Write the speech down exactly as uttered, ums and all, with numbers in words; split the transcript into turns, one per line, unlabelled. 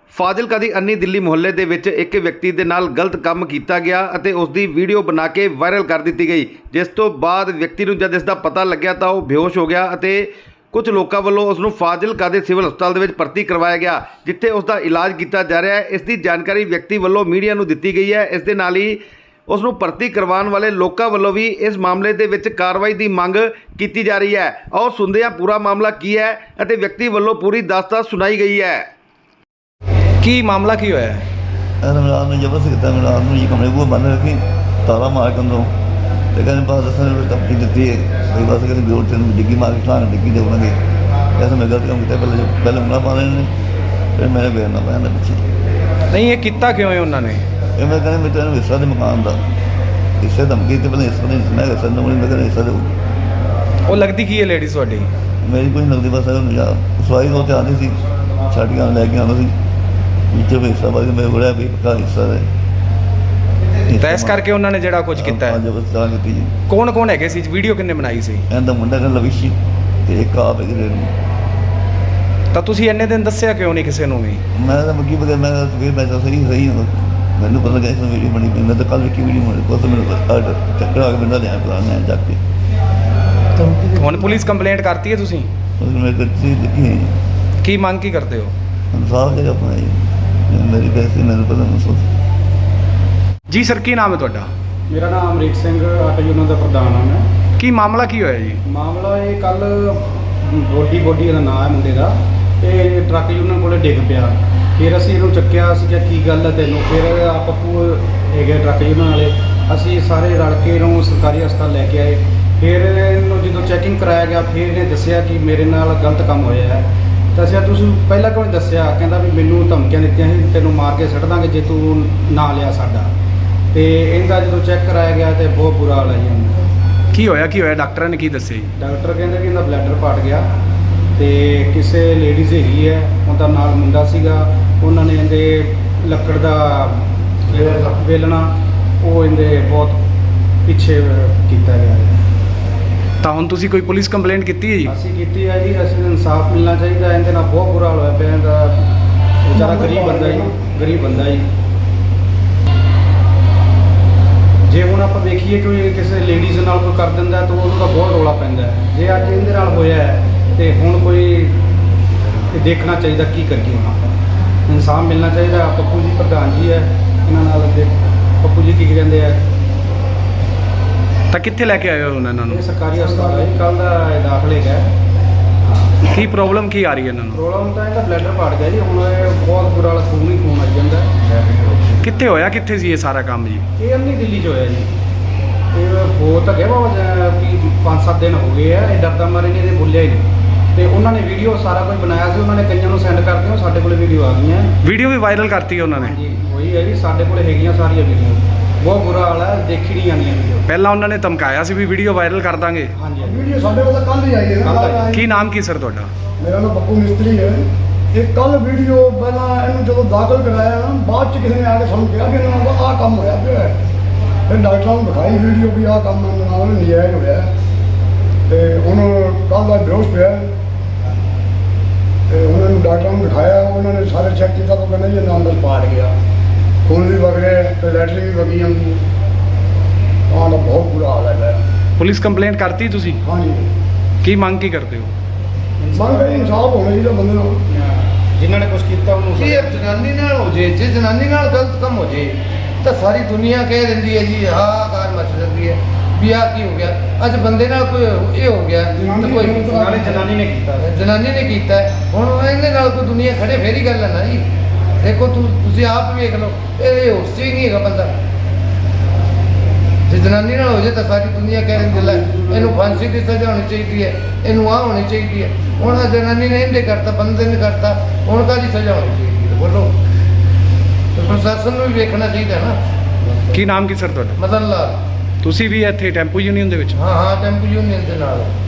ਫਾਜ਼ਿਲਕਾ ਦੀ ਅੰਨੀ ਦਿੱਲੀ ਮੁਹੱਲੇ ਦੇ ਵਿੱਚ ਇੱਕ ਵਿਅਕਤੀ ਦੇ ਨਾਲ ਗਲਤ ਕੰਮ ਕੀਤਾ ਗਿਆ ਅਤੇ ਉਸ ਦੀ ਵੀਡੀਓ ਬਣਾ ਕੇ ਵਾਇਰਲ ਕਰ ਦਿੱਤੀ ਗਈ, ਜਿਸ ਤੋਂ ਬਾਅਦ ਵਿਅਕਤੀ ਨੂੰ ਜਦ ਇਸ ਦਾ ਪਤਾ ਲੱਗਿਆ ਤਾਂ ਉਹ ਬੇਹੋਸ਼ ਹੋ ਗਿਆ ਅਤੇ ਕੁਝ ਲੋਕਾਂ ਵੱਲੋਂ ਉਸ ਨੂੰ ਫਾਜ਼ਿਲਕਾ ਦੇ ਸਿਵਲ ਹਸਪਤਾਲ ਦੇ ਵਿੱਚ ਭਰਤੀ ਕਰਵਾਇਆ ਗਿਆ, ਜਿੱਥੇ ਉਸ ਦਾ ਇਲਾਜ ਕੀਤਾ ਜਾ ਰਿਹਾ ਹੈ। ਇਸ ਦੀ ਜਾਣਕਾਰੀ ਵਿਅਕਤੀ ਵੱਲੋਂ ਮੀਡੀਆ ਨੂੰ ਦਿੱਤੀ ਗਈ ਹੈ। ਇਸ ਦੇ ਨਾਲ ਹੀ ਉਸ ਨੂੰ ਭਰਤੀ ਕਰਵਾਉਣ ਵਾਲੇ ਲੋਕਾਂ ਵੱਲੋਂ ਵੀ ਇਸ ਮਾਮਲੇ ਦੇ ਵਿੱਚ ਕਾਰਵਾਈ ਦੀ ਮੰਗ ਕੀਤੀ ਜਾ ਰਹੀ ਹੈ। ਆਓ ਸੁਣਦੇ ਹਾਂ ਪੂਰਾ ਮਾਮਲਾ ਕੀ ਹੈ ਅਤੇ ਵਿਅਕਤੀ ਵੱਲੋਂ ਪੂਰੀ ਦਾਸਤਾਨ ਸੁਣਾਈ ਗਈ ਹੈ।
ਕੀ ਮਾਮਲਾ ਕੀ ਹੋਇਆ?
ਰਾਤ ਨੂੰ ਜ਼ਬਰਦਸਤ ਕੀਤਾ, ਮੈਂ ਰਾਤ ਨੂੰ ਜੀ ਕਮਰੇ ਬੂਹੇ ਬੰਦ ਰੱਖੀ, ਤਾਲਾ ਮਾਰ ਕੇ ਅੰਦਰੋਂ ਤੇ ਕਹਿੰਦੇ ਬਸ ਦੱਸਣ ਨੂੰ ਧਮਕੀ ਦਿੱਤੀ ਹੈ ਬਈ ਬਸ ਕਹਿੰਦੇ ਜੋਰ ਤੈਨੂੰ ਡਿੱਗੀ ਮਾਰ ਕੇ ਠਾਣ ਡਿੱਗੀ ਦੇਵਾਂਗੇ। ਐਸਾ ਮੈਂ ਗਲਤ ਕੰਮ ਕੀਤਾ, ਪਹਿਲੇ ਪਹਿਲੇ ਉਂਗਲਾਂ ਪਾ ਰਹੇ ਨੇ, ਫਿਰ ਮੇਰੇ ਬੇਰ ਨਾ ਪੈਂਦਾ ਪਿੱਛੇ।
ਨਹੀਂ, ਇਹ ਕੀਤਾ ਕਿਉਂ ਹੈ ਉਹਨਾਂ ਨੇ?
ਇਹ ਮੈਂ ਕਹਿੰਦਾ ਮੈਂ ਤੈਨੂੰ ਹਿੱਸਾ ਦੇ ਮਕਾਨ ਦਾ ਹਿੱਸੇ ਧਮਕੀ ਤੇ ਪਹਿਲੇ ਹਿੱਸਾ ਨਹੀਂ ਮੈਂ ਹਿੱਸਾ ਨਹੀਂ ਮੈਂ ਕਹਿੰਦਾ ਹਿੱਸਾ ਦੇਊ।
ਉਹ ਲੱਗਦੀ ਕੀ ਹੈ ਲੇਡੀ ਤੁਹਾਡੀ?
ਮੇਰੀ ਕੋਈ ਨਕਦੀ ਬਸ ਹੈ ਸਵਾਈ ਤੋਂ ਤੇ ਆਉਂਦੀ ਸੀ, ਛੱਡ ਕੇ ਲੈ ਕੇ ਆਉਂਦਾ ਸੀ ਵਿੱਚੋਂ ਹਿੱਸਾ ਬਾਅਦ ਮੈਂ ਬੋਲਿਆ ਵੀ ਪੱਕਾ ਹਿੱਸਾ ਦੇ
ਤਾਂ ਇਸ ਕਰਕੇ ਉਹਨਾਂ ਨੇ ਜਿਹੜਾ ਕੁਝ ਕੀਤਾ ਹੈ।
ਜਬਰਦਸਤੀ ਕੀਤੀ ਜੀ।
ਕੌਣ ਕੌਣ ਹੈਗੇ ਸੀ? ਵੀਡੀਓ ਕਿੰਨੇ ਬਣਾਈ ਸੀ?
ਇਹਦਾ ਮੁੰਡਾ ਕਹਿੰਦਾ ਲਵਿਸ਼ੀ ਤੇ ਇੱਕ ਆਪ ਹੈ ਜਿਹੜੇ ਨੂੰ।
ਤਾਂ ਤੁਸੀਂ ਇੰਨੇ ਦਿਨ ਦੱਸਿਆ ਕਿਉਂ ਨਹੀਂ ਕਿਸੇ ਨੂੰ ਵੀ?
ਮੈਂ ਤਾਂ ਮੱਕੀ ਬਗੈਰ ਮੈਂ ਫਿਰ ਮੈਂ ਤਾਂ ਸਹੀ ਸਹੀ ਹਾਂ, ਮੈਨੂੰ ਪਤਾ ਲੱਗਾ ਇਸ ਵੀਡੀਓ ਬਣੀ ਪਈ, ਮੈਂ ਤਾਂ ਕੱਲ੍ਹ ਵੇਖੀ ਵੀਡੀਓ ਬਣੀ, ਕੁਛ ਮੈਨੂੰ ਚੱਕਰ ਆ ਕੇ ਬੰਦਾ ਲਿਆ ਪਲਾਨ ਜਾ ਕੇ।
ਹੁਣ ਪੁਲਿਸ ਕੰਪਲੇਂਟ ਕਰਤੀ ਹੈ ਤੁਸੀਂ?
ਮੈਂ ਗੱਡੀ ਲਿਖੀ ਹੈ ਜੀ।
ਕੀ ਮੰਗ ਕੀ ਕਰਦੇ ਹੋ?
ਇਨਸਾਫ ਜਗ੍ਹਾ ਆਪਣਾ ਜੀ, ਮੇਰੀ ਪੈਸੇ ਮੈਨੂੰ ਪਤਾ ਮਹਿਸੂਸ।
ਜੀ ਸਰ, ਕੀ ਨਾਮ ਹੈ ਤੁਹਾਡਾ?
ਮੇਰਾ ਨਾਮ ਅਮਰੀਕ ਸਿੰਘ ਆਟੋ ਯੂਨੀਅਨ ਦਾ ਪ੍ਰਧਾਨ ਹਾਂ ਮੈਂ।
ਕੀ ਮਾਮਲਾ ਕੀ ਹੋਇਆ ਜੀ?
ਮਾਮਲਾ ਇਹ ਕੱਲ ਬੋਡੀ ਬੋਡੀ ਦਾ ਨਾਂ ਹੈ ਮੁੰਡੇ ਦਾ, ਤੇ ਟਰੱਕ ਯੂਨੀਅਨ ਕੋਲੇ ਡਿੱਗ ਪਿਆ। ਫਿਰ ਅਸੀਂ ਇਹਨੂੰ ਚੱਕਿਆ, ਅਸੀਂ ਕਿਹਾ ਕੀ ਗੱਲ ਹੈ ਤੈਨੂੰ? ਫਿਰ ਆ ਪੱਪੂ ਹੈਗੇ ਟਰੱਕ ਯੂਨੀਅਨ ਵਾਲੇ, ਅਸੀਂ ਸਾਰੇ ਰਲ ਕੇ ਇਹਨੂੰ ਸਰਕਾਰੀ ਹਸਪਤਾਲ ਲੈ ਕੇ ਆਏ। ਫਿਰ ਇਹਨੂੰ ਜਦੋਂ ਚੈਕਿੰਗ ਕਰਾਇਆ ਗਿਆ, ਫਿਰ ਇਹਨੇ ਦੱਸਿਆ ਕਿ ਮੇਰੇ ਨਾਲ ਗਲਤ ਕੰਮ ਹੋਇਆ ਹੈ। ਤਾਂ ਅਸੀਂ ਤੁਸੀਂ ਪਹਿਲਾਂ ਕਿਉਂ ਨਹੀਂ ਦੱਸਿਆ? ਕਹਿੰਦਾ ਵੀ ਮੈਨੂੰ ਧਮਕੀਆਂ ਦਿੱਤੀਆਂ ਸੀ, ਤੈਨੂੰ ਮਾਰ ਕੇ ਸੁੱਟ ਦਾਂਗੇ ਜੇ ਤੂੰ ਨਾ ਲਿਆ ਸਾਡਾ। ਤੇ ਇਹਦਾ ਜਦੋਂ ਚੈੱਕ ਕਰਾਇਆ ਗਿਆ ਤੇ ਬਹੁਤ ਬੁਰਾ ਹਾਲ ਹੈ ਜੀ ਇਹਦਾ।
ਕੀ ਹੋਇਆ ਕੀ ਹੋਇਆ ਡਾਕਟਰਾਂ ਨੇ ਕੀ ਦੱਸਿਆ ਜੀ?
ਡਾਕਟਰ ਕਹਿੰਦੇ ਕਿ ਇਹਦਾ ਬਲੈਡਰ ਪਾਟ ਗਿਆ ਤੇ ਕਿਸੇ ਲੇਡੀਜ਼ ਹੈਗੀ ਹੈ, ਉਹਦਾ ਨਾਲ ਮੁੰਡਾ ਸੀਗਾ, ਉਹਨਾਂ ਨੇ ਇਹਦੇ ਲੱਕੜ ਦਾ ਵੇਲਣਾ ਉਹ ਇਹਦੇ ਬਹੁਤ ਪਿੱਛੇ ਕੀਤਾ ਗਿਆ ਹੈ।
ਤਾਂ ਹੁਣ ਤੁਸੀਂ ਕੋਈ ਪੁਲਿਸ ਕੰਪਲੇਂਟ ਕੀਤੀ ਹੈ ਜੀ?
ਅਸੀਂ ਕੀਤੀ ਹੈ ਜੀ, ਅਸੀਂ ਇਨਸਾਫ ਮਿਲਣਾ ਚਾਹੀਦਾ। ਇਹਦੇ ਨਾਲ ਬਹੁਤ ਬੁਰਾ ਹਾਲ ਹੋਇਆ ਪਿਆ ਇਹਦਾ, ਵਿਚਾਰਾ ਗਰੀਬ ਬੰਦਾ ਜੀ, ਗਰੀਬ ਬੰਦਾ ਜੀ। ਜੇ ਹੁਣ ਆਪਾਂ ਵੇਖੀਏ ਕਿ ਕਿਸੇ ਲੇਡੀਜ਼ ਨਾਲ ਕੋਈ ਕਰ ਦਿੰਦਾ ਤਾਂ ਉਹਦਾ ਬਹੁਤ ਰੌਲਾ ਪੈਂਦਾ ਹੈ। ਜੇ ਅੱਜ ਇਹਦੇ ਨਾਲ ਹੋਇਆ ਹੈ ਤੇ ਹੁਣ ਕੋਈ ਦੇਖਣਾ ਚਾਹੀਦਾ ਕੀ ਕਰੀਏ ਹੁਣ ਆਪਾਂ। ਇਨਸਾਫ ਮਿਲਣਾ ਚਾਹੀਦਾ। ਪੱਪੂ ਜੀ ਪ੍ਰਧਾਨ ਜੀ ਹੈ, ਇਹਨਾਂ ਨਾਲ ਦੇ ਪੱਪੂ ਜੀ ਕੀ ਕਹਿੰਦੇ ਆ?
ਤਾਂ ਕਿੱਥੇ ਲੈ ਕੇ ਆਏ ਹੋ ਉਹਨਾਂ ਨੂੰ?
ਇਹ ਸਰਕਾਰੀ ਹਸਪਤਾਲ ਹੈ, ਕੱਲ੍ਹ ਦਾ ਇਹ ਦਾਖਲੇ ਗਿਆ।
ਕੀ ਪ੍ਰੋਬਲਮ ਕੀ ਆ ਰਹੀ ਹੈ ਇਹਨਾਂ ਨੂੰ?
ਪ੍ਰੋਬਲਮ ਤਾਂ ਇਹਦਾ ਬਲੈਡਰ ਪਾਟ ਗਿਆ ਜੀ, ਹੁਣ ਇਹ ਬਹੁਤ ਬੁਰਾ ਹਾਲ, ਖੂਨ ਹੀ ਖੂਨ ਆਈ ਜਾਂਦਾ।
ਕਿੱਥੇ ਹੋਇਆ ਕਿੱਥੇ ਸੀ ਇਹ ਸਾਰਾ ਕੰਮ ਜੀ?
ਇਹ ਅੰਨੀ ਦਿੱਲੀ 'ਚ ਹੋਇਆ ਜੀ। ਇਹ ਹੋ ਤਾਂ ਗਿਆ ਬਾਬਾ ਕਿ ਪੰਜ ਸੱਤ ਦਿਨ ਹੋ ਗਏ ਆ, ਇਹ ਡਰਦਾ ਮਾਰੇ ਨਹੀਂ ਇਹਦੇ ਬੋਲਿਆ ਹੀ ਨਹੀਂ। ਤੇ ਉਹਨਾਂ ਨੇ ਵੀਡੀਓ ਸਾਰਾ ਕੁਝ ਬਣਾਇਆ ਸੀ, ਉਹਨਾਂ ਨੇ ਕਈਆਂ ਨੂੰ ਸੈਂਡ ਕਰਦੇ ਹੋ, ਸਾਡੇ ਕੋਲ ਵੀਡੀਓ ਆ ਗਈਆਂ।
ਵੀਡੀਓ ਵੀ ਵਾਇਰਲ ਕਰਤੀ ਹੈ ਉਹਨਾਂ ਨੇ?
ਹਾਂਜੀ ਉਹੀ ਹੈ ਜੀ, ਸਾਡੇ ਕੋਲ ਹੈਗੀਆਂ ਸਾਰੀਆਂ ਵੀਡੀਓ। ਬਹੁਤ ਬੁਰਾ ਹਾਲ ਹੈ, ਦੇਖੀ ਨਹੀਂ ਜਾਂਦੀਆਂ ਵੀਡੀਓ।
ਪਹਿਲਾਂ ਉਹਨਾਂ ਨੇ ਧਮਕਾਇਆ ਸੀ ਵੀ ਵੀਡੀਓ ਵਾਇਰਲ ਕਰ ਦਾਂਗੇ।
ਹਾਂਜੀ
ਵੀਡੀਓ ਸਾਡੇ ਕੋਲ ਤਾਂ ਕੱਲ੍ਹ ਹੀ ਆਈ ਹੈ ਨਾ।
ਕੀ ਨਾਮ ਕੀ ਸਰ ਤੁਹਾਡਾ?
ਮੇਰਾ ਨਾਮ ਬੱਬੂ ਮਿਸਤਰੀ ਹੈ। ਇਹ ਕੱਲ੍ਹ ਵੀਡੀਓ ਪਹਿਲਾਂ ਇਹਨੂੰ ਜਦੋਂ ਦਾਖਲ ਕਰਾਇਆ ਨਾ, ਬਾਅਦ 'ਚ ਕਿਸੇ ਨੇ ਆ ਕੇ ਸਾਨੂੰ ਕਿਹਾ ਕਿ ਇਹਨਾਂ ਦਾ ਆਹ ਕੰਮ ਹੋਇਆ ਪਿਆ ਹੈ। ਫਿਰ ਡਾਕਟਰਾਂ ਨੂੰ ਦਿਖਾਈ ਵੀਡੀਓ ਵੀ ਆਹ ਕੰਮ ਇਹਨਾਂ ਨਾਲ ਨਜਾਇਜ਼ ਹੋਇਆ ਤੇ ਹੁਣ ਕੱਲ੍ਹ ਦਾ ਬੇਹੋਸ਼ ਪਿਆ ਤੇ ਉਹਨਾਂ ਨੂੰ ਡਾਕਟਰਾਂ ਨੂੰ ਦਿਖਾਇਆ, ਉਹਨਾਂ ਨੇ ਸਾਰੇ ਚੈੱਕ ਕੀਤਾ ਤਾਂ ਕਹਿੰਦੇ ਜੀ ਇਹਦਾ ਅੰਦਰ ਪਾਟ ਗਿਆ, ਖੂਨ ਵੀ ਵਗ ਰਿਹਾ ਤੇ ਲੈਟਰਿੰਗ ਵੀ ਵਗੀ ਜਾਂਦੀ ਹੈ। ਤਾਂ ਦਾ ਬਹੁਤ ਬੁਰਾ ਹਾਲ ਹੈ।
ਪੁਲਿਸ ਕੰਪਲੇਂਟ ਕਰਤੀ ਤੁਸੀਂ?
ਹਾਂਜੀ,
ਕੀ ਮੰਗ ਕੀ ਕਰਦੇ ਹੋ?
ਮੰਗ ਹੈ ਇਨਸਾਫ ਹੋਣਾ ਚਾਹੀਦਾ ਬੰਦੇ ਨਾਲ।
ਜਿਨ੍ਹਾਂ ਨੇ ਕੁਝ ਕੀਤਾ ਉਹਨੂੰ
ਜੇ ਜਨਾਨੀ ਨਾਲ ਹੋ ਜੇ ਜੇ ਜਨਾਨੀ ਨਾਲ ਗਲਤ ਕੰਮ ਹੋ ਜੇ ਤਾਂ ਸਾਰੀ ਦੁਨੀਆ ਕਹਿ ਦਿੰਦੀ ਹੈ ਜੀ ਹਾਹਾਕਾਰ ਮਚ ਜਾਂਦੀ ਹੈ ਵੀ ਆਹ ਕੀ ਹੋ ਗਿਆ। ਅੱਜ ਬੰਦੇ ਨਾਲ ਕੋਈ ਇਹ ਹੋ ਗਿਆ ਤਾਂ ਕੋਈ
ਨਾਲੇ ਜਨਾਨੀ ਨੇ ਕੀਤਾ ਹੈ।
ਜਨਾਨੀ ਨੇ ਕੀਤਾ ਹੈ, ਹੁਣ ਇਹਦੇ ਨਾਲ ਕੋਈ ਦੁਨੀਆ ਖੜੇ ਫੇਰ ਹੀ ਗੱਲ ਹੈ ਨਾ ਜੀ। ਦੇਖੋ ਤੂੰ ਤੁਸੀਂ ਆਪ ਵੇਖ ਲਓ, ਇਹ ਹੋਸ਼ 'ਚ ਹੀ ਨਹੀਂ ਹੈਗਾ ਬੰਦਾ। ਜੇ ਜਨਾਨੀ ਨਾਲ ਹੋ ਜੇ ਤਾਂ ਸਾਰੀ ਦੁਨੀਆ ਕਹਿ ਦਿੰਦੀ ਲੈ ਇਹਨੂੰ ਫਾਂਸੀ ਦੀ ਸਜ਼ਾ ਹੋਣੀ ਚਾਹੀਦੀ ਹੈ, ਇਹਨੂੰ ਆਹ ਹੋਣੀ ਚਾਹੀਦੀ ਹੈ। ਹੁਣ ਆਹ ਜਨਾਨੀ ਨੇ ਇਹਦੇ ਕਰਤਾ, ਬੰਦੇ ਨੇ ਕਰਤਾ, ਹੁਣ ਕਾਹਦੀ ਸਜ਼ਾ ਹੋਣੀ ਚਾਹੀਦੀ ਹੈ ਬੋਲੋ? ਤੇ ਪ੍ਰਸ਼ਾਸਨ ਨੂੰ ਵੀ ਵੇਖਣਾ ਚਾਹੀਦਾ ਨਾ।
ਕੀ ਨਾਮ ਕੀ ਸਰ ਤੁਹਾਡਾ?
ਮਦਨ ਲਾਲ।
ਤੁਸੀਂ ਵੀ ਇੱਥੇ ਟੈਂਪੂ ਯੂਨੀਅਨ ਦੇ ਵਿੱਚ?
ਹਾਂ ਹਾਂ ਟੈਂਪੂ ਯੂਨੀਅਨ ਦੇ ਨਾਲ।